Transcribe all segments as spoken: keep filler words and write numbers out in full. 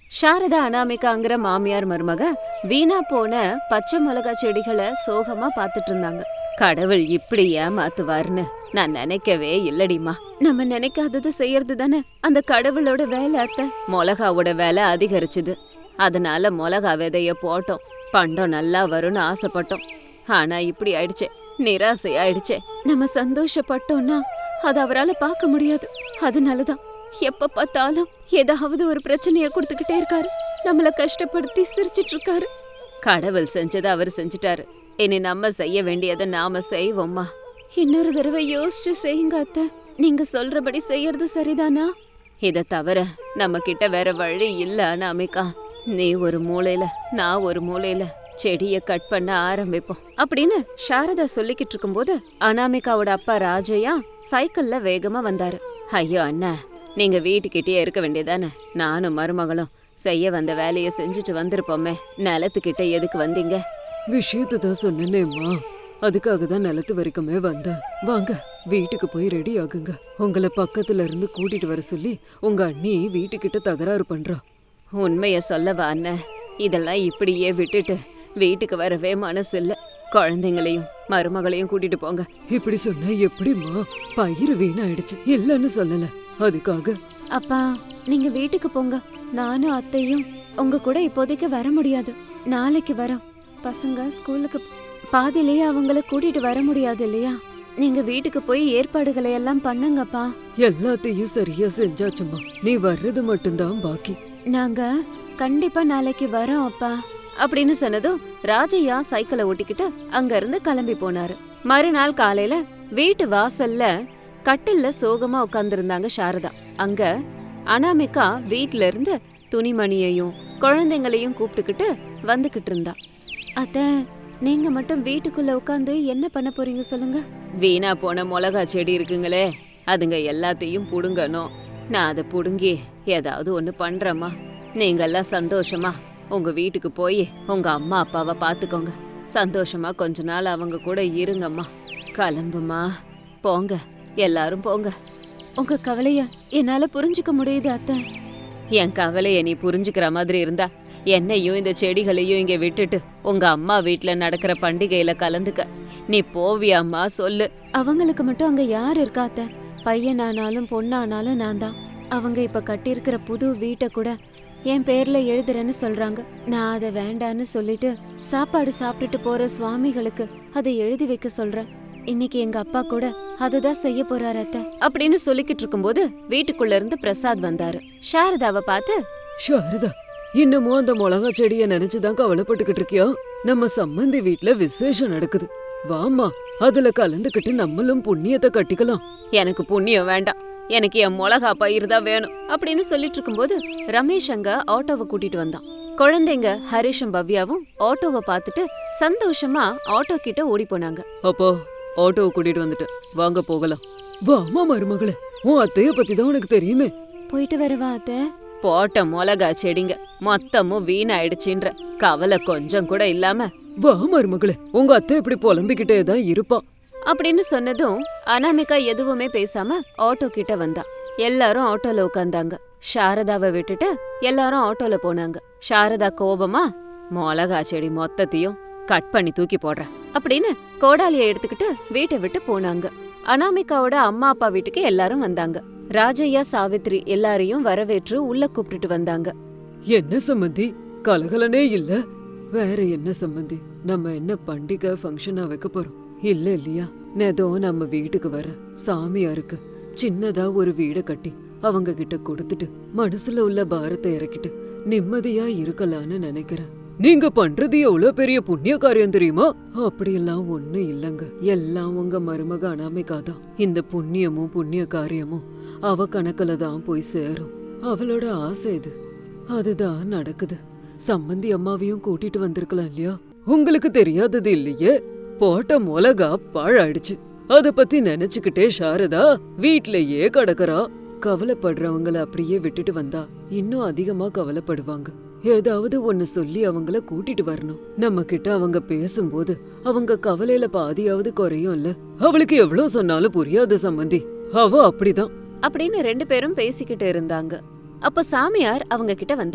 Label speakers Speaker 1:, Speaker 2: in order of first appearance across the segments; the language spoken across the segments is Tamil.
Speaker 1: சாரதா அனாமிகாங்கிற மாமியார் மருமக வீணா போன பச்சை மிளகா செடிகளை சோகமா பாத்துட்டு இருந்தாங்க. கடவுள் இப்படி ஏமாத்துவார்னு நான் நினைக்கவே இல்லடிமா. நம்ம நினைக்காதது செய்யறது தானே அந்த கடவுளோட வேலை. அத்தை, மிளகாவோட வேலை அதிகரிச்சுது. அதனால மிளகா விதைய போட்டோம், பண்டம் நல்லா வரும்னு ஆசைப்பட்டோம். ஆனா இப்படி ஆயிடுச்சே, நிராசை ஆயிடுச்சே. நம்ம சந்தோஷப்பட்டோம்னா அது அவரால பார்க்க முடியாது. அதனாலதான் எப்ப பார்த்தாலும் ஏதாவது ஒரு பிரச்சனைய கொடுத்துக்கிட்டே இருக்காரு. நம்மள கஷ்டப்படுத்தி சிரிச்சிட்டு இருக்காரு. கடவுள் செஞ்சதை அவர் செஞ்சுட்டாரு. இனி நம்ம செய்ய வேண்டியதை நாம செய்வோம்மா. இன்னொரு தடவை யோசிச்சு செய்யுங்க அத்தை. நீங்க சொல்றபடி செய்யறது சரிதானா? இத தவிர நம்ம கிட்ட வேற வழி இல்ல அனாமிகா. நீ ஒரு மூலையில, நான் ஒரு மூலையில செடிய கட் பண்ண ஆரம்பிப்போம் அப்படின்னு சாரதா சொல்லிக்கிட்டு இருக்கும்போது அனாமிகாவோட அப்பா ராஜையா சைக்கிள்ல வேகமா வந்தாரு. ஐயோ அண்ணா, நீங்க வீட்டுக்கிட்டே இருக்க வேண்டியதானே? நானும் மருமகளும் செய்ய வந்த வேலையை செஞ்சுட்டு வந்திருப்போமே. நிலத்துக்கிட்ட எதுக்கு வந்தீங்க?
Speaker 2: விஷயத்தை தான் சொன்னேனேம்மா, அதுக்காக தான் நிலத்து வரைக்குமே வந்தேன். வாங்க வீட்டுக்கு போய் ரெடி ஆகுங்க. உங்களை பக்கத்துல இருந்து கூட்டிட்டு வர சொல்லி உங்க அண்ணி வீட்டுக்கிட்ட தகராறு பண்றா.
Speaker 1: உண்மைய சொல்லவா அண்ணன்? இதெல்லாம் இப்படியே விட்டுட்டு வீட்டுக்கு வரவே மனசு இல்ல. குழந்தைங்களையும் மருமகளையும் கூட்டிட்டு போங்க.
Speaker 2: இப்படி சொன்னா எப்படிம்மா? பயிர் வீணாயிடுச்சு, இல்லன்னு சொல்லல. அதுக்காக
Speaker 1: அப்பா, நீங்க வீட்டுக்கு போங்க. நானும் அத்தையும் உங்க கூட இப்போதைக்கு வர முடியாது. நாளைக்கு வரோம். பசங்க ஸ்கூலுக்கு பாதிலேயே அவங்கள கூட்டிட்டு வர முடியாது இல்லையா? நீங்க வீட்டுக்கு போய் ஏற்பாடுகளை எல்லாம் பண்ணுங்கப்பா.
Speaker 2: எல்லாத்தையும் சரியா செஞ்சாச்சுமா, நீ வர்றது மட்டும்தான் பாக்கி.
Speaker 1: நாங்க கண்டிப்பா நாளைக்கு வரோம் அப்பா அப்படின்னு சொன்னதும் ராஜையா சைக்கிளை ஓட்டிக்கிட்டு அங்க இருந்து கிளம்பி போனாரு. மறுநாள் காலையில வீட்டு வாசல்ல கட்டில்ல சோகமா உட்கார்ந்துருந்தாங்க சாரதா. அங்க அனாமிகா வீட்ல இருந்து துணிமணியையும் குழந்தைங்களையும் கூப்பிட்டுக்கிட்டு வந்துகிட்டு இருந்தா. அத்த, நீங்க மட்டும் வீட்டுக்குள்ள உட்காந்து என்ன பண்ண போறீங்க சொல்லுங்க? வீணா போன மிளகா செடி இருக்குங்களே, அதுங்க எல்லாத்தையும் புடுங்கணும். நான் அதை புடுங்கி ஏதாவது ஒண்ணு பண்றேம்மா. நீங்க எல்லாம் சந்தோஷமா உங்க வீட்டுக்கு போய் உங்க அம்மா அப்பாவை பாத்துக்கோங்க. சந்தோஷமா கொஞ்ச நாள் அவங்க கூட இருங்கம்மா. கிளம்புமா, போங்க, எல்லாரும் போங்க. உங்க கவலைய என்னால புரிஞ்சுக்க முடியுது அத்தை. என் கவலைய நீ புரிஞ்சுக்கிற மாதிரி இருந்தா என்னையும் இந்த செடிகளையும் இங்க விட்டுட்டு உங்க அம்மா வீட்டுல நடக்கிற பண்டிகையில கலந்துக்க நீ போவியாம்மா சொல்லு. அவங்களுக்கு மட்டும் அங்க யார் இருக்காத்த? பையனானாலும் பொண்ணானாலும் நான் தான். அவங்க இப்ப கட்டியிருக்கிற புது வீட்டை கூட என் பேர்ல எழுதுறேன்னு சொல்றாங்க. நான் அதை வேண்டான்னு சொல்லிட்டு சாப்பாடு சாப்பிட்டுட்டு போற சுவாமிகளுக்கு அதை எழுதி வைக்க சொல்றேன். இன்னைக்கு எங்க அப்பா கூட அதுதான் செய்ய போறாரு அத்தை அப்படின்னு சொல்லிக்கிட்டு இருக்கும்போது வீட்டுக்குள்ள இருந்து பிரசாத் வந்தாரு. சாரதாவை பார்த்து,
Speaker 2: சாரதா, இன்னமும் அந்த மிளகா செடிய நினைச்சுதான் கவலைப்பட்டுக்கிட்டு இருக்கியா? நம்ம சம்பந்தி வீட்ல விசேஷம் நடக்குது, வாமா, அதுல கலந்துக்கிட்டு நம்மளும் புண்ணியத்தை கட்டிக்கலாம்.
Speaker 1: எனக்கு புண்ணியம் வேண்டாம், எனக்கு என் மிளகா பயிர் தான் வேணும் அப்படின்னு சொல்லிட்டு இருக்கும்போது ரமேஷ் அங்க ஆட்டோவை கூட்டிட்டு வந்தான். குழந்தைங்க ஹரிஷும் பவ்யாவும் ஆட்டோவை பார்த்துட்டு சந்தோஷமா ஆட்டோ கிட்ட ஓடி போனாங்க.
Speaker 2: அப்போ ஆட்டோவை கூட்டிட்டு வந்துட்டு வாங்க போகலாம். வாமா மருமகளே, உன் அத்தைய பத்தி தான் உனக்கு தெரியுமே.
Speaker 1: போயிட்டு வரவா அத்தை? போட்ட மிளகா செடிங்க மொத்தமும் வீணாயிடுச்சுன்ற கவலை கொஞ்சம் கூட இல்லாம
Speaker 2: வா மருமகளே, உங்க அத்தை இப்படி புலம்பிக்கிட்டே தான் இருப்பா
Speaker 1: அப்படின்னு சொன்னதும் அனாமிகா எதுவுமே பேசாம ஆட்டோ கிட்ட வந்தா. எல்லாரும் ஆட்டோல உட்காந்தாங்க. சாரதாவை விட்டுட்டு எல்லாரும் ஆட்டோல போனாங்க. சாரதா கோபமா, மிளகா செடி மொத்தத்தையும் கட் பண்ணி தூக்கி போடுறேன் அப்படின்னு கோடாலிய எடுத்துக்கிட்டு வீட்டை விட்டு போனாங்க. அனாமிகாவோட அம்மா அப்பா வீட்டுக்கு எல்லாரும் வந்தாங்க. ராஜையா சாவித்ரி எல்லாரையும் வரவேற்று உள்ள கூப்பிட்டுட்டு வந்தாங்க.
Speaker 2: என்ன சம்பந்தி, கலகலனே இல்ல? வேற என்ன சம்பந்தி, நம்ம என்ன பண்டிகை ஃபங்க்ஷனா வைக்க போறோம் இல்ல இல்லையா? நேதோ நம்ம வீட்டுக்கு வர சாமியாருக்கு சின்னதா ஒரு வீட கட்டி அவங்க கிட்ட கொடுத்துட்டு மனசுல உள்ள பாரத்தை இறக்கிட்டு நிம்மதியா இருக்கலான்னு நினைக்கிறேன். நீங்க பண்றது எவ்வளவு பெரிய புண்ணிய காரியம் தெரியுமா? அப்படியெல்லாம் ஒண்ணு இல்லங்க, எல்லாம் உங்க மருமக அனாமிகா தான். இந்த புண்ணியமும் புண்ணிய காரியமும் அவ கணக்குல தான் போய் சேரும். அவளோட ஆசை இது, அதுதான் நடக்குது. சம்பந்தி அம்மாவையும் கூட்டிட்டு வந்திருக்கலாம் இல்லையா? உங்களுக்கு தெரியாதது இல்லையே, போட்ட மிளகா பாழாயிடுச்சு. அத பத்தி நினைச்சுக்கிட்டே சாரதா வீட்லயே கடக்கறா. கவலைப்படுறவங்கள அப்படியே விட்டுட்டு வந்தா இன்னும் அதிகமா கவலைப்படுவாங்க. ஏதாவது ஒன்னு சொல்லி அவங்கள கூட்டிட்டு வரணும். நம்ம கிட்ட அவங்க பேசும்போது அவங்க கவலையில பாதியாவது குறையும்ல. அவளுக்கு எவ்வளவு சொன்னாலும் புரியாத சம்பந்தி, அவ அப்படிதான்
Speaker 1: அப்படின்னு ரெண்டு பேரும் பேசிக்கிட்டு இருந்தாங்க. அப்ப சாமியார் அவங்க கிட்ட வந்தாரு.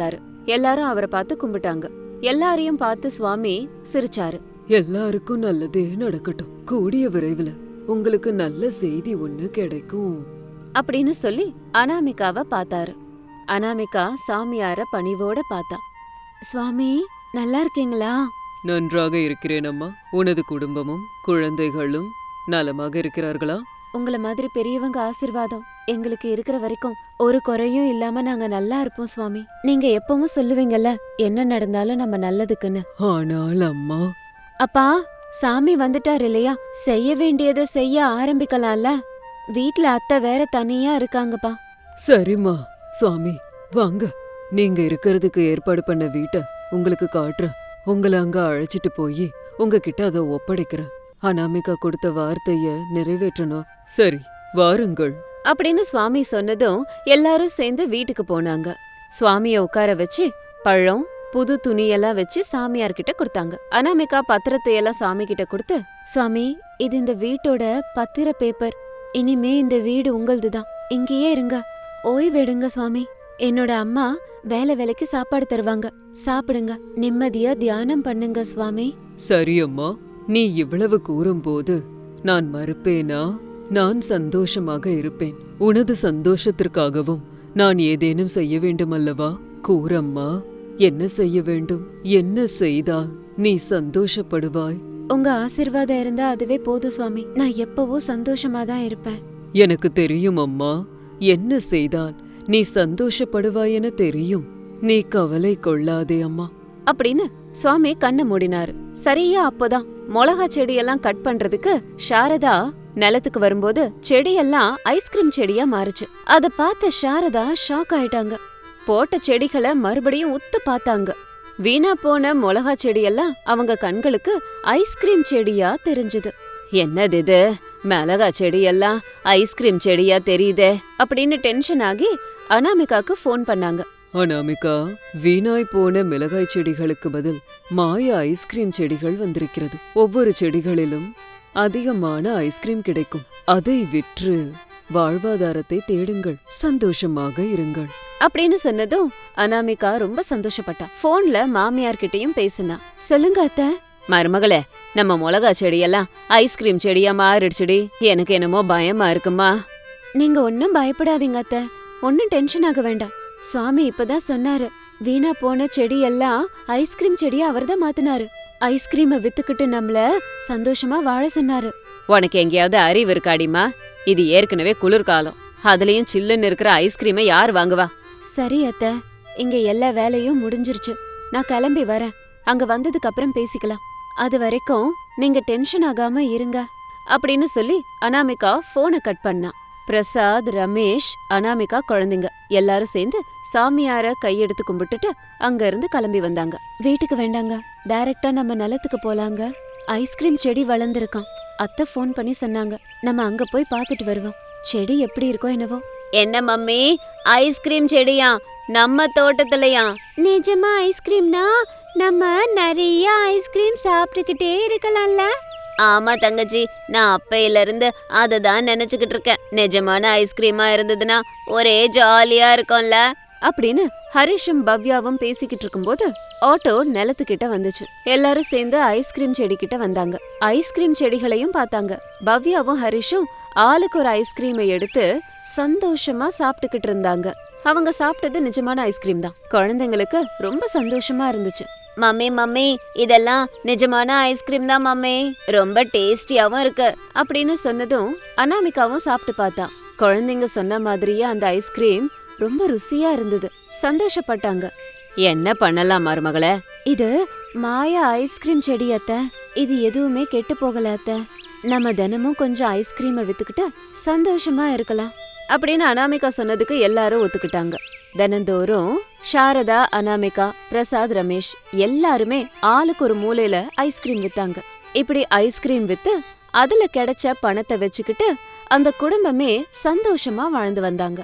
Speaker 1: எல்லாரும் அவரை பார்த்து கும்பிட்டாங்க. எல்லாரையும் பார்த்து சுவாமி சிரிச்சாரு.
Speaker 2: எல்லாருக்கும் நல்லதே நடக்கட்டும். கூடிய விரைவில் உங்களுக்கு நல்ல செய்தி ஒண்ணு கிடைக்கும்
Speaker 1: அப்படின்னு சொல்லி அனாமிகாவை பார்த்தாரு. அனாமிகா சாமியார பணிவோட பார்த்தா. சுவாமி நல்லா இருக்கீங்களா?
Speaker 2: நன்றாக இருக்கிறேன் அம்மா. உனது குடும்பமும் குழந்தைகளும் நலமாக இருக்கிறார்களா?
Speaker 1: உங்கள மாதிரி பெரியவங்க ஆசீர்வாதம் எங்களுக்கு இருக்கிற வரைக்கும் ஒரு குறையும் இல்லாம நாங்க நல்லா இருப்போம் சுவாமி. நீங்க எப்பவும் சொல்லுவீங்கல்ல, என்ன நடந்தாலும் நம்ம நல்லதுக்குன்னு.
Speaker 2: ஆனால் அம்மா.
Speaker 1: அப்பா, சாமி வந்துட்டார் இல்லையா, செய்ய வேண்டியதை செய்ய ஆரம்பிக்கலாம்ல. வீட்ல அத்தை வேற தனியா இருக்காங்கப்பா.
Speaker 2: சரிம்மா. சுவாமி வாங்க, நீங்க இருக்கிறதுக்கு ஏற்பாடு பண்ண வீட்டை உங்களுக்கு காட்டுறேன். உங்களை அங்க அழைச்சிட்டு போய் உங்ககிட்ட அதை ஒப்படைக்கிறேன். அனாமிகா கொடுத்த வார்த்தைய நிறைவேற்றணும். சரி, வாருங்கள்
Speaker 1: அப்படின்னு சுவாமி சொன்னதும் எல்லாரும் சேர்ந்து வீட்டுக்கு போனாங்க. சுவாமிய உட்கார வச்சு பழம் புது துணியெல்லாம் வச்சு சாமியார் கிட்ட கொடுத்தாங்க. அனாமிகா பத்திரத்தை எல்லாம் சாமி கிட்ட கொடுத்து, சுவாமி இது இந்த வீட்டோட பத்திர பேப்பர். இனிமே இந்த வீடு உங்களதுதான். இங்கேயே இருங்க, ஓய்வெடுங்க சுவாமி. என்னோட அம்மா வேலை வேலைக்கு சாப்பாடு தருவாங்க, சாப்பிடுங்க, நிம்மதியா தியானம் பண்ணுங்க சுவாமி.
Speaker 2: சரி அம்மா, நீ இவ்வளவு கூறும்போது நான் மறுப்பேனா? நான் சந்தோஷமாக இருப்பேன். உனது சந்தோஷத்திற்காகவும் நான் ஏதேனும் செய்ய வேண்டும் அல்லவா? கூறம்மா, என்ன செய்ய வேண்டும்? என்ன செய்தால் நீ சந்தோஷப்படுவாய்?
Speaker 1: உங்க ஆசீர்வாதம் இருந்தா அதுவே போதும் சுவாமி. நான் எப்பவும் சந்தோஷமா தான் இருப்பேன்.
Speaker 2: எனக்கு தெரியும் அம்மா, என்ன செய்தால் நீ சந்தோஷப்படுவாய் என தெரியும். நீ கவலை கொள்ளாதே அம்மா
Speaker 1: அப்படின்னு சுவாமி கண்ணை மூடினாரு. சரியா அப்போதான் மிளகா செடியெல்லாம் கட் பண்றதுக்கு சாரதா நிலத்துக்கு வரும்போது செடியெல்லாம் ஐஸ்கிரீம் செடியா மாறுச்சு. அத பார்த்த சாரதா ஷாக் ஆயிட்டாங்க. போட்ட செடிகளை மறுபடியும் உத்து பார்த்தாங்க. வீணா போன மிளகா செடியெல்லாம் அவங்க கண்களுக்கு ஐஸ்கிரீம் செடியா தெரிஞ்சுது. என்னது இது, மிளகா செடியெல்லாம் ஐஸ்கிரீம் செடியா தெரியுதே அப்படின்னு டென்ஷன் ஆகி அனாமிகாக்கு ஃபோன் பண்ணாங்க.
Speaker 2: அனாமிகா, வீணாய் போன மிளகாய் செடிகளுக்கு பதில் மாய ஐஸ்கிரீம் செடிகள் வந்திருக்கிறது. ஒவ்வொரு செடிகளிலும் அதிகமான ஐஸ்கிரீம் கிடைக்கும். அதை விற்று வாழ்வாதாரத்தை தேடுங்கள், சந்தோஷமாக இருங்கள்
Speaker 1: அப்படின்னு சொன்னதும் அனாமிகா ரொம்ப சந்தோஷப்பட்டா. போன்ல மாமியார் கிட்டயும் பேசினா. சொல்லுங்க அத்தை. மருமகளே, நம்ம மிளகா செடியெல்லாம் ஐஸ்கிரீம் செடியா மாறிடுச்சுடி. எனக்கு என்னமோ பயமா இருக்குமா. நீங்க ஒன்னும் பயப்படாதீங்க அத்தை, ஒன்னும் டென்ஷன் ஆக வேண்டாம். சுவாமி இப்பதான் சொன்னாரு, வீணா போன செடி எல்லாம் ஐஸ்கிரீம் செடியா அவர்தான் மாத்தினாரு. ஐஸ்கிரீமை வித்துக்கிட்டு நம்மள சந்தோஷமா வாழ சொன்னாரு. உனக்கு எங்கேயாவது அறிவு இருக்காடிமா? இது ஏற்கனவே குளிர்காலம், அதுலயும் சில்லுன்னு இருக்கிற ஐஸ்கிரீமை யார் வாங்குவா? சரி அத்தை, இங்க எல்லா வேலையும் முடிஞ்சிருச்சு. நான் கிளம்பி வரேன். அங்க வந்ததுக்கு அப்புறம் பேசிக்கலாம். அது வரைக்கும் நீங்க டென்ஷன் ஆகாம இருங்க அப்படின்னு சொல்லி அனாமிகா போனை கட் பண்ணா. பிரசாத், ரமேஷ், அனாமிகா குழந்தைங்க எல்லாரும் சேர்ந்து சாமியார கையெடுத்து கும்பிட்டுட்டு அங்க இருந்து கிளம்பி வந்தாங்க. வீட்டுக்கு வேண்டாங்க, டைரக்டா நம்ம நிலத்துக்கு போலாங்க. ஐஸ்கிரீம் செடி வளர்ந்துருக்கான். அத்தை ஃபோன் பண்ணி சொன்னாங்க, நம்ம அங்க போய் பார்த்துட்டு வருவோம். செடி எப்படி இருக்கோ என்னவோ. என்ன மம்மி, ஐஸ்கிரீம் செடியா நம்ம தோட்டத்துலயா? நிஜமா ஐஸ்கிரீம்னா நம்ம நிறைய ஐஸ்கிரீம் சாப்பிட்டுக்கிட்டே இருக்கலாம்ல. ஆமா தங்கச்சி, நான் அப்பையில இருந்து அதை தான் நினைச்சுக்கிட்டு இருக்கேன். நிஜமான ஐஸ்கிரீமா இருந்ததுன்னா ஒரே ஜாலியா இருக்கும்ல அப்படின்னு ஹரிஷும் பவ்யாவும் பேசிக்கிட்டு இருக்கும்போது ஆட்டோ நிலத்துக்கிட்ட வந்துச்சு. எல்லாரும் சேர்ந்து ஐஸ்கிரீம் செடி கிட்ட வந்தாங்க. ஐஸ்கிரீம் செடிகளையும் பார்த்தாங்க. பவ்யாவும் ஹரிஷும் ஆளுக்கு ஒரு ஐஸ்கிரீமை எடுத்து சந்தோஷமா சாப்பிட்டுக்கிட்டு இருந்தாங்க. அவங்க சாப்பிட்டது நிஜமான ஐஸ்கிரீம் தான். குழந்தைங்களுக்கு ரொம்ப சந்தோஷமா இருந்துச்சு. மம்மி மம்மி, இதெல்லாம் நிஜமான ஐஸ்கிரீம் தான் மம்மி, ரொம்ப டேஸ்டியாவும் இருக்கு அப்படின்னு சொன்னதும் அனாமிகாவும் சாப்பிட்டு பார்த்தா. குழந்தைங்க சொன்ன மாதிரியே அந்த ஐஸ்கிரீம் ரொம்ப ருசியா இருந்தது. சந்தோஷப்பட்டாங்க. என்ன பண்ணலாம் மருமகளே? இது மாயா ஐஸ்கிரீம் செடி அத்தை. இது எதுவுமே கெட்டு போகல அத்தை. நம்ம தினமும் கொஞ்சம் ஐஸ்கிரீமை வித்துக்கிட்டு சந்தோஷமா இருக்கலாம் அப்படின்னு அனாமிகா சொன்னதுக்கு எல்லாரும் ஒத்துக்கிட்டாங்க. தினந்தோறும் சாரதா, அனாமிகா, பிரசாத், ரமேஷ் எல்லாருமே ஆளுக்கு ஒரு மூலையில ஐஸ்கிரீம் வித்தாங்க. இப்படி ஐஸ்கிரீம் வித்து அதுல கிடைச்ச பணத்தை வச்சுக்கிட்டு அந்த குடும்பமே சந்தோஷமா வாழ்ந்து வந்தாங்க.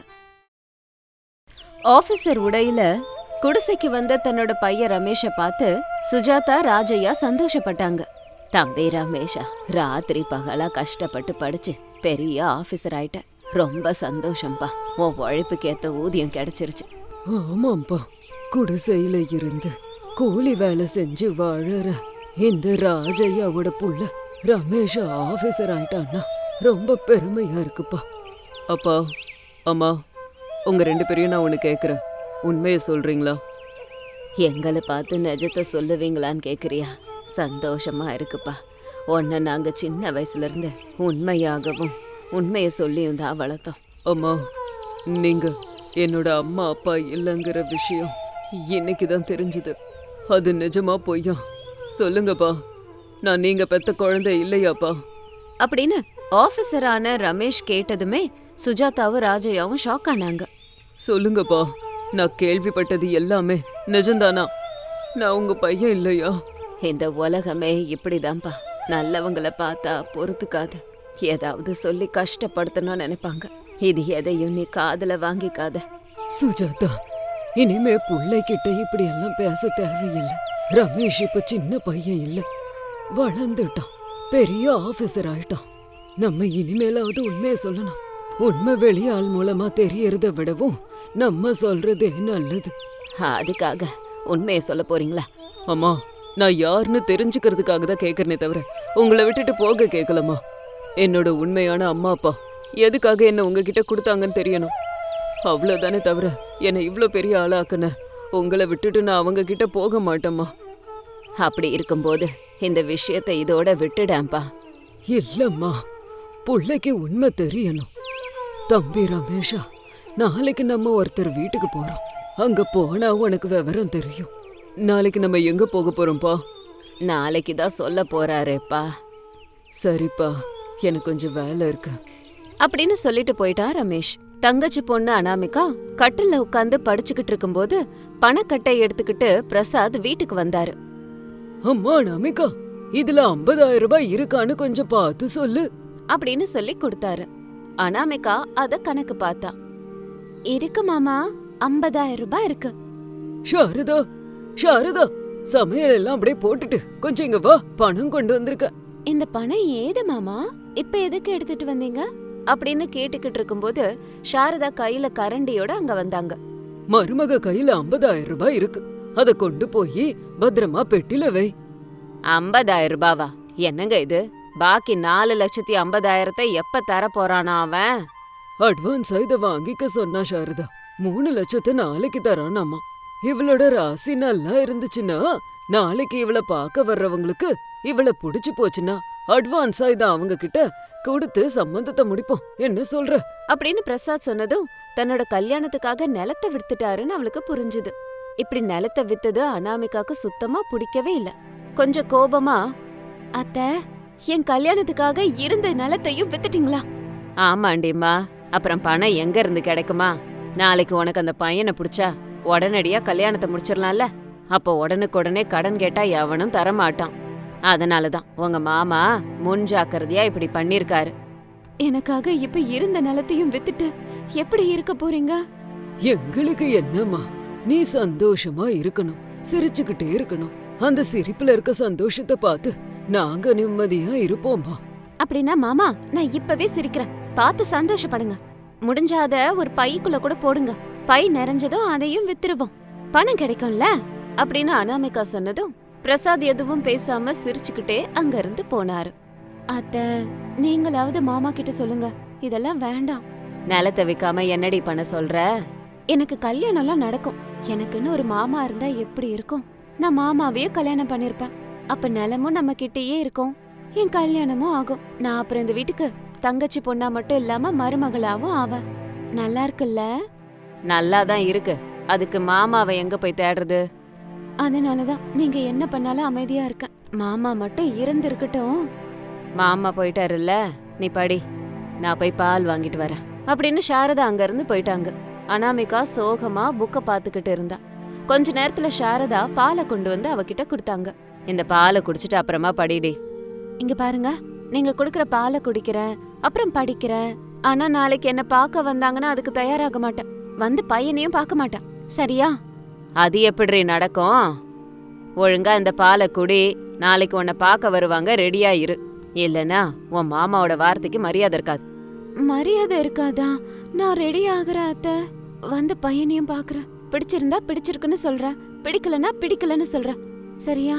Speaker 1: ஆபீசர் உடையில குடிசைக்கு வந்த தன்னோட பையன் ரமேஷ பார்த்து சுஜாதா, ராஜையா சந்தோஷப்பட்டாங்க. தம்பி ரமேஷா, ராத்திரி பகலா கஷ்டப்பட்டு படிச்சு பெரிய ஆபீசர் ஆயிட்ட. ரொம்ப சந்தோஷம்பா. உன் உழைப்புக்கு ஏத்த ஊதியம் கிடைச்சிருச்சு.
Speaker 2: ஆமாம்பா, குடிசையில இருந்து கூலி வேலை செஞ்சு வாழற இந்த ராஜையாவோட புள்ள ரமேஷ் ஆபீசர் ஆயிட்டான்னா ரொம்ப பெருமையா இருக்குப்பா. அப்பா அம்மா, உங்க ரெண்டு பேரையும் நான் ஒன்று கேட்குறேன், உண்மையை சொல்றீங்களா?
Speaker 1: எங்களை பார்த்து நிஜத்தை சொல்லுவீங்களான்னு கேக்குறியா? சந்தோஷமா இருக்குப்பா. உன்னை நாங்க சின்ன வயசுல இருந்து உண்மையாகவும் உண்மையை சொல்லியும் தான் வளர்த்தோம்.
Speaker 2: அம்மா, நீங்க என்னோட அம்மா அப்பா இல்லைங்கிற விஷயம் இன்னைக்கு தான் தெரிஞ்சுது. அது நிஜமா பொய்யா? சொல்லுங்கப்பா, நான் நீங்க பெத்த குழந்தை இல்லையாப்பா?
Speaker 1: அப்படின்னு ஆபீசரான ரமேஷ் கேட்டதுமே சுஜாதாவும் ராஜையாவும் ஷாக் ஆனாங்க.
Speaker 2: சொல்லுங்கப்பா, நான் கேள்விப்பட்டது எல்லாமே நிஜம்தானா? நான் உங்க பையன் இல்லையா?
Speaker 1: இந்த உலகமே இப்படிதான்ப்பா. நல்லவங்களை பார்த்தா பொறுத்துக்காது, ஏதாவது சொல்லி கஷ்டப்படுத்தணும்னு நினைப்பாங்க. இது எதையும் நீ காதுல வாங்கிக்காத.
Speaker 2: சுஜாதா, இனிமே பிள்ளைகிட்ட இப்படி எல்லாம் பேச தேவையில்லை. ரமேஷ் இப்ப சின்ன பையன் இல்ல, வளர்ந்துட்டான், பெரிய ஆபீசர் ஆயிட்டான். நம்ம இனிமேலாவது உண்மையை சொல்லணும். உண்மை வெளியாள் மூலமா தெரியறத விடவும் நம்ம சொல்றதே நல்லது.
Speaker 1: அதுக்காக உண்மையை சொல்ல போறீங்களா?
Speaker 2: அம்மா, நான் யாருன்னு தெரிஞ்சுக்கிறதுக்காக தான் கேட்கறனே தவிர உங்களை விட்டுட்டு போக கேட்கலம்மா. என்னோட உண்மையான அம்மா அப்பா எதுக்காக என்ன உங்ககிட்ட கொடுத்தாங்கன்னு தெரியணும், அவ்வளோதானே தவிர என்னை இவ்வளோ பெரிய ஆளாக்குன உங்களை விட்டுட்டு நான் அவங்க கிட்ட போக மாட்டேம்மா.
Speaker 1: அப்படி இருக்கும்போது இந்த விஷயத்தை இதோட விட்டுடாம்பா.
Speaker 2: இல்லம்மா, பிள்ளைக்கு உண்மை தெரியணும். தம்பி ரமேஷா, நாளைக்கு நம்ம ஒருத்தர் வீட்டுக்கு போறோம். அங்க போனா உனக்கு விவரம் தெரியும். நாளைக்கு நம்ம எங்க போக போறோம்ப்பா?
Speaker 1: நாளைக்கு தான் சொல்ல போறாரேப்பா.
Speaker 2: சரிப்பா, எனக்கு கொஞ்சம் வேலை இருக்கு
Speaker 1: அப்படின்னு சொல்லிட்டு போயிட்டா ரமேஷ். தங்கச்சி பொண்ணு அனாமிகா கட்டில்ல உட்காந்து படிச்சுக்கிட்டு இருக்கும்போது பணக்கட்டை எடுத்துக்கிட்டு பிரசாத் வீட்டுக்கு வந்தாரு.
Speaker 2: அம்மா நமிகா, இதுல ஐம்பதாயிரம் ரூபாய் இருக்கான்னு கொஞ்சம் பார்த்து சொல்லு
Speaker 1: அப்படின்னு சொல்லி கொடுத்தாரு. அனாமிகா அத கணக்கு பார்த்தா. இருக்கு மாமா, ஐம்பதாயிரம் ரூபாய் இருக்கு.
Speaker 2: சாரதா, சாரதா, சமையல் எல்லாம் அப்படியே போட்டுட்டு கொஞ்சம் இங்க வா, பணம் கொண்டு வந்திருக்க.
Speaker 1: இந்த பணம் ஏது மாமா, இப்ப எதுக்கு எடுத்துட்டு வந்தீங்க அப்படின்னு கேட்டுக்கிட்டு இருக்கும்போது சாரதா கையில கரண்டியோட அங்க வந்தாங்க.
Speaker 2: மருமக கையில ஐம்பதாயிரம் ரூபாய் இருக்கு, அத கொண்டு போய் பத்திரமா பெட்டில வை.
Speaker 1: ஐம்பதாயிரம் ரூபாவா? என்னங்க இது? பாக்கி நாலு லட்சத்தி ஐம்பதாயிரத்தை எப்ப தர போறானா அவன்?
Speaker 2: அட்வான்ஸா இத வாங்கிக்க சொன்னா சாரதா. மூணு லட்சத்தை நாளைக்கு தரானாமா. இவளோட ராசி நல்லா இருந்துச்சுன்னா நாளைக்கு இவளை பார்க்க வர்றவங்களுக்கு இவளை புடிச்சு போச்சுன்னா அட்வான்ஸா இத அவங்க கிட்ட கொடுத்து சம்பந்தத்தை முடிப்போம். என்ன சொல்ற?
Speaker 1: அப்படின்னு பிரசாத் சொன்னதும் தன்னோட கல்யாணத்துக்காக நிலத்தை வித்துட்டாருன்னு அவளுக்கு புரிஞ்சுது. இப்படி நிலத்தை வித்தது அனாமிகாக்கு சுத்தமா பிடிக்கவே இல்ல. கொஞ்சம் கோபமா, அத்த, என் கல்யாணத்துக்காக இருந்த நிலத்தையும் வித்துட்டீங்களா? ஆமாண்டிம்மா, அப்புறம் பணம் எங்க இருந்து கிடைக்குமா? நாளைக்கு உனக்கு அந்த பையனை பிடிச்சா உடனடியா கல்யாணத்தை முடிச்சிடலாம்ல. அப்போ உடனுக்குடனே கடன் கேட்டா எவனும் தரமாட்டான். அதனாலதான் உங்க மாமா முன்ஜாக்கிரதையா இப்படி பண்ணிருக்காரு. எனக்காக இப்ப இருந்த நிலத்தையும் வித்துட்டு எப்படி இருக்க போறீங்க?
Speaker 2: எங்களுக்கு என்னம்மா, நீ சந்தோஷமா இருக்கணும், சிரிச்சுக்கிட்டே இருக்கணும். அந்த சிரிப்புல இருக்க சந்தோஷத்தை பார்த்து நாங்க நிம்மதியா இருப்போம்மா.
Speaker 1: அப்படின்னா மாமா, நான் இப்பவே சிரிக்கிறேன், பார்த்து சந்தோஷப்படுங்க. முடிஞ்சாத ஒரு பைக்குள்ள கூட போடுங்க, பை நிறைஞ்சதும் அதையும் வித்துருவோம், பணம் கிடைக்கும்ல அப்படின்னு அனாமிகா சொன்னதும் பிரசாத் எதுவும் பேசாம சிரிச்சுக்கிட்டே அங்க இருந்து போனாரு. அத்த, நீங்களாவது மாமா கிட்ட சொல்லுங்க, இதெல்லாம் வேண்டாம். நிலத்தை விக்காம என்னடி பண்ண சொல்ற? எனக்கு கல்யாணம்லாம் நடக்கும். எனக்குன்னு ஒரு மாமா இருந்தா எப்படி இருக்கும்? நான் மாமாவையே கல்யாணம் பண்ணிருப்பேன். அப்ப நிலமும் நம்ம கிட்டயே இருக்கும், என் கல்யாணமும் ஆகும். நான் அப்புறம் இந்த வீட்டுக்கு தங்கச்சி பொண்ணா மட்டும் இல்லாம மருமகளாவும் ஆவேன். நல்லா இருக்குல்ல? நல்லாதான் இருக்கு. அதுக்கு மாமாவை எங்க போய் தேடுறது? அதனாலதான் நீங்க என்ன பண்ணாலும் அமைதியா இருக்க. மாமா மட்டும் இருந்திருக்கட்டும். மாமா போயிட்டாருல்ல, நீ படி, நான் போய் பால் வாங்கிட்டு வரேன் அப்படின்னு சாரதா அங்க இருந்து போயிட்டாங்க. அனாமிகா சோகமா புக்க பாத்துக்கிட்டு இருந்தா. கொஞ்ச நேரத்துல சாரதா பாலை கொண்டு வந்து அவகிட்ட கொடுத்தாங்க. இந்த பாலை குடிச்சிட்டு அப்புறமா படிடி. இங்க பாருங்க, நீங்க குடுக்கற பாலை குடிக்கிறேன், அப்புறம் படிக்கிறேன். ஆனா நாளைக்கு என்ன பார்க்க வந்தாங்கன்னா அதுக்கு தயாராக மாட்டேன், வந்து பையனையும் பார்க்க மாட்டேன், சரியா? அது எப்படி நடக்கும்? ஒழுங்கா இந்த பாலை குடி, நாளைக்கு உன்னை பார்க்க வருவாங்க, ரெடியா இரு. இல்லனா உன் மாமாவோட வார்த்தைக்கு மரியாதை இருக்காது. மரியாதை இருக்காதா? நான் ரெடி ஆகுறேன் அத்த, வந்து பையனையும் பாக்குறேன். பிடிச்சிருந்தா பிடிச்சிருக்குன்னு சொல்ற, பிடிக்கலன்னா பிடிக்கலன்னு சொல்ற, சரியா?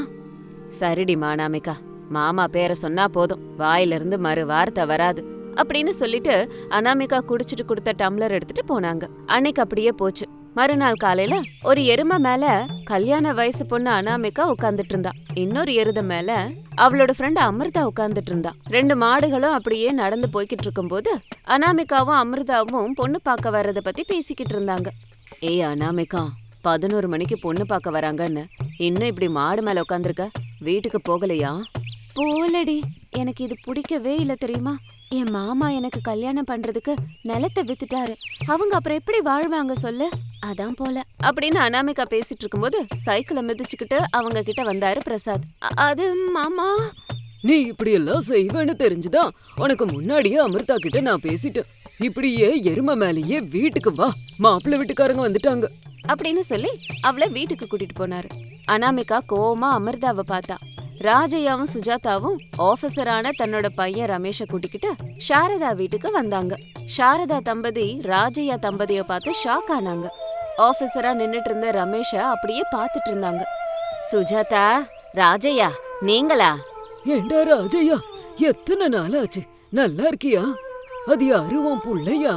Speaker 1: சரிடிமா அனாமிகா, மாமா பேரை சொன்னா போதும், வாயிலிருந்து மறு வார்த்தை வராது அப்படின்னு சொல்லிட்டு அனாமிகா குடிச்சிட்டு கொடுத்த டம்ளர் எடுத்துட்டு போனாங்க. அன்னைக்கு அப்படியே போச்சு. மறுநாள் காலையில ஒரு எருமை மேல கல்யாண வயசு பொண்ணு அனாமிகா உட்கார்ந்துட்டு இருந்தா. இன்னொரு எருத மேல அவளோட ஃப்ரெண்ட் அமிர்தா உட்கார்ந்துட்டு இருந்தா. ரெண்டு மாடுகளும் அப்படியே நடந்து போய்கிட்டு இருக்கும்போது அனாமிகாவும் அமிர்தாவும் பொண்ணு பார்க்க வர்றத பத்தி பேசிக்கிட்டு இருந்தாங்க. ஏய் அனாமிகா, பதினோரு மணிக்கு பொண்ணு பார்க்க வராங்கன்னு இன்னும் இப்படி மாடு மேல உட்காந்துருக்க, வீட்டுக்கு போகலையா? போலடி, எனக்கு இது பிடிக்கவே இல்ல தெரியுமா? என் மாமா எனக்கு கல்யாணம் பண்றதுக்கு நிலத்தை வித்துட்டாரு, அவங்க அப்புறம் எப்படி வாழ்வாங்க சொல்லு, அதான் போல அப்படின்னு அனாமிகா பேசிட்டு இருக்கும்போது சைக்கிளை மிதிச்சுக்கிட்டு அவங்க கிட்ட வந்தாரு பிரசாத். அது மாமா,
Speaker 2: நீ இப்படி எல்லாம் செய்வேன்னு தெரிஞ்சுதான் உனக்கு முன்னாடியே அமிர்தா கிட்ட நான் பேசிட்டேன். இப்படியே எருமை மேலேயே வீட்டுக்கு வா, மாப்பிள்ளை வீட்டுக்காரங்க வந்துட்டாங்க
Speaker 1: அப்படின்னு சொல்லி அவளை வீட்டுக்கு கூட்டிட்டு போனாரு. அனாமிகா கோவமா அமிர்தாவை பார்த்தா. ராஜையாவும் சுஜாதாவும் ஆபீசரான தன்னோட பையன் ரமேஷை கூட்டிக்கிட்டு சாரதா வீட்டுக்கு வந்தாங்க. சாரதா தம்பதி ராஜையா தம்பதிய பார்த்து ஷாக் ஆனாங்க. ஆபீசரா நின்னுட்டு இருந்த ரமேஷ அப்படியே பார்த்துட்டு இருந்தாங்க. சுஜாதா, ராஜையா நீங்களா?
Speaker 2: ஏண்டா ராஜையா, எத்தனை நாள் ஆச்சு, நல்லா இருக்கியா? அது யாரு, உன் புள்ளையா?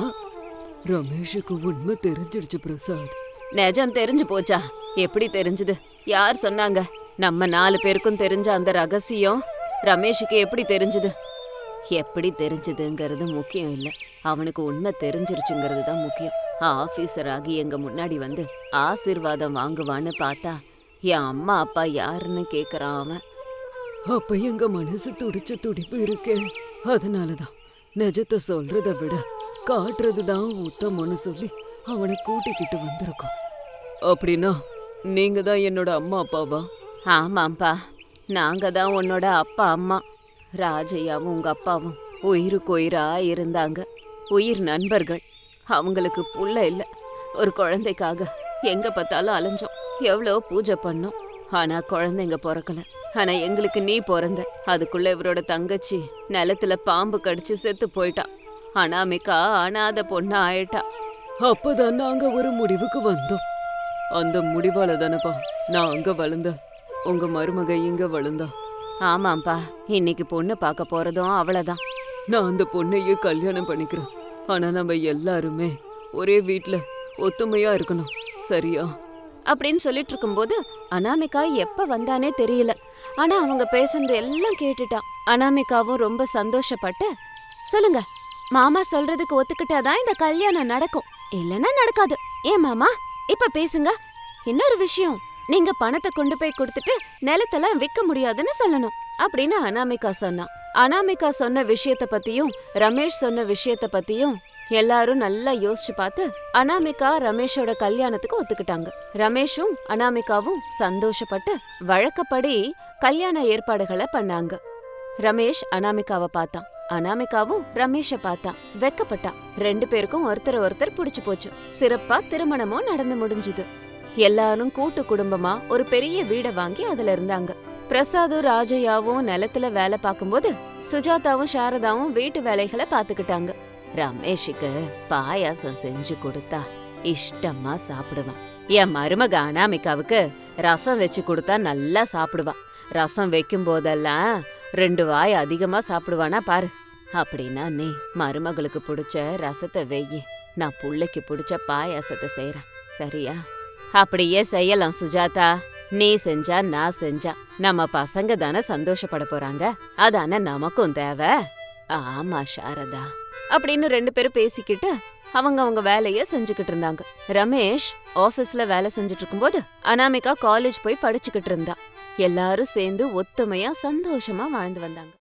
Speaker 2: ரமேஷுக்கு உண்மை தெரிஞ்சிடுச்சு பிரசாத்.
Speaker 1: நிஜம் தெரிஞ்சு போச்சா? எப்படி தெரிஞ்சது? யார் சொன்னாங்க? நம்ம நாலு பேருக்கும் தெரிஞ்ச அந்த ரகசியம் ரமேஷுக்கு எப்படி தெரிஞ்சது? எப்படி தெரிஞ்சதுங்கிறது முக்கியம் இல்ல, அவனுக்கு உண்மை தெரிஞ்சிருச்சுங்கிறது தான் முக்கியம். ஆபீசர் ஆகி எங்க முன்னாடி வந்து ஆசீர்வாதம் வாங்குவான்னு பார்த்தா என் அம்மா அப்பா யாருன்னு கேக்குறான் அவன்.
Speaker 2: அப்ப எங்க மனசு துடிச்ச துடிப்பு இருக்கே, அதனாலதான் நிஜத்தை சொல்றத விட காட்டுறதுதான் உத்தமன்னு சொல்லி அவனை கூட்டிக்கிட்டு வந்திருக்கோம். அப்படின்னா நீங்க தான் என்னோட அம்மா அப்பாவா?
Speaker 1: ஆமாப்பா, நாங்க தான் உன்னோட அப்பா அம்மா. ராஜையாவும் உங்க அப்பாவும் உயிருக்கு உயிரா இருந்தாங்க, உயிர் நண்பர்கள். அவங்களுக்கு புள்ள இல்ல, ஒரு குழந்தைக்காக எங்க பார்த்தாலும் அலைஞ்சோம், எவ்வளோ பூஜை பண்ணோம், ஆனா குழந்தைங்க பிறக்கல. ஆனா எங்களுக்கு நீ பிறந்த. அதுக்குள்ள இவரோட தங்கச்சி நிலத்துல பாம்பு கடிச்சு செத்து போயிட்டா. அனாமிகா அனாதை பொண்ணு ஆயிட்டா.
Speaker 2: அப்பதான் நாங்க ஒரு முடிவுக்கு வந்தோம். அந்த முடிவால தானப்பா நான் அங்க வளர்ந்தேன், உங்க மருமக இங்க வளர்ந்தா.
Speaker 1: ஆமாப்பா, இன்னைக்கு பொண்ணு பார்க்க போறதும் அவ்வளவுதான்.
Speaker 2: நான் அந்த பொண்ணையே கல்யாணம் பண்ணிக்கிறேன். ஆனா நம்ம எல்லாருமே ஒரே வீட்ல ஒத்துமையா இருக்கணும், சரியா?
Speaker 1: அப்படின்னு சொல்லிட்டு இருக்கும்போது அனாமிகா எப்ப வந்தானே தெரியல. ஆனா அவங்க பேசுனது எல்லாம் கேட்டுட்டா. அனாமிகாவும் ரொம்ப சந்தோஷப்பட்டு, சொல்லுங்க மாமா சொல்றதுக்கு ஒத்துக்கிட்டாதான் இந்த கல்யாணம் நடக்கும், இல்லன்னா நடக்காது. ஏன் மாமா இப்ப பேசுங்க. இன்னொரு விஷயம், நீங்க பணத்தை கொண்டு போய் கொடுத்துட்டு நிலத்தெல்லாம் விற்க முடியாதுன்னு சொல்லணும் அப்படின்னு அனாமிகா சொன்னா. அனாமிகா சொன்ன விஷயத்த பத்தியும் ரமேஷ் சொன்ன விஷயத்த பத்தியும் எல்லாரும் நல்லா யோசிச்சு பார்த்து அனாமிகா ரமேஷோட கல்யாணத்துக்கு ஒத்துக்கிட்டாங்க. ரமேஷும் அனாமிகாவும் சந்தோஷப்பட்டு வழக்கப்படி கல்யாண ஏற்பாடுகளை பண்ணாங்க. ரமேஷ் அனாமிகாவை பார்த்தான், அனாமிகாவும் ரமேஷ பார்த்தா, வெக்கப்பட்டா. ரெண்டு பேருக்கும் ஒருத்தர் ஒருத்தர் பிடிச்சு போச்சு. சிறப்பா திருமணமும் நடந்து முடிஞ்சுது. எல்லாரும் கூட்டு குடும்பமா ஒரு பெரிய வீடை வாங்கி அதுல இருந்தாங்க. பிரசாதும் ராஜையாவும் நிலத்துல வேலை பார்க்கும்போது சுஜாதாவும் சாரதாவும் வீட்டு வேலைகளை பாத்துக்கிட்டாங்க. ரமேஷுக்கு பாயாசம் செஞ்சு கொடுத்தா இஷ்டமா சாப்பிடுவான். என் மருமக அனாமிகாவுக்கு ரசம் வச்சு கொடுத்தா நல்லா சாப்பிடுவான். ரசம் வைக்கும் போதெல்லாம் ரெண்டு வாய் அதிகமா சாப்பிடுவானா பாரு. அப்படின்னா நீ மருமகளுக்கு பிடிச்ச ரசத்தை வெயி, நான் புள்ளைக்கு பிடிச்ச பாயாசத்தை செய்யறேன், சரியா? அப்படியே செய்யலாம் சுஜாதா. நீ செஞ்சா நான் செஞ்சா நம்ம பசங்க தானே சந்தோஷப்பட போறாங்க, அதானே நமக்கும் தேவை. ஆமா சாரதா அப்படின்னு ரெண்டு பேரும் பேசிக்கிட்டு அவங்க அவங்க வேலைய செஞ்சுக்கிட்டு இருந்தாங்க. ரமேஷ் ஆபீஸ்ல வேலை செஞ்சுட்டு இருக்கும்போது அனாமிகா காலேஜ் போய் படிச்சுக்கிட்டு இருந்தா. எல்லாரும் சேர்ந்து ஒத்துமையா சந்தோஷமா வாழ்ந்து வந்தாங்க.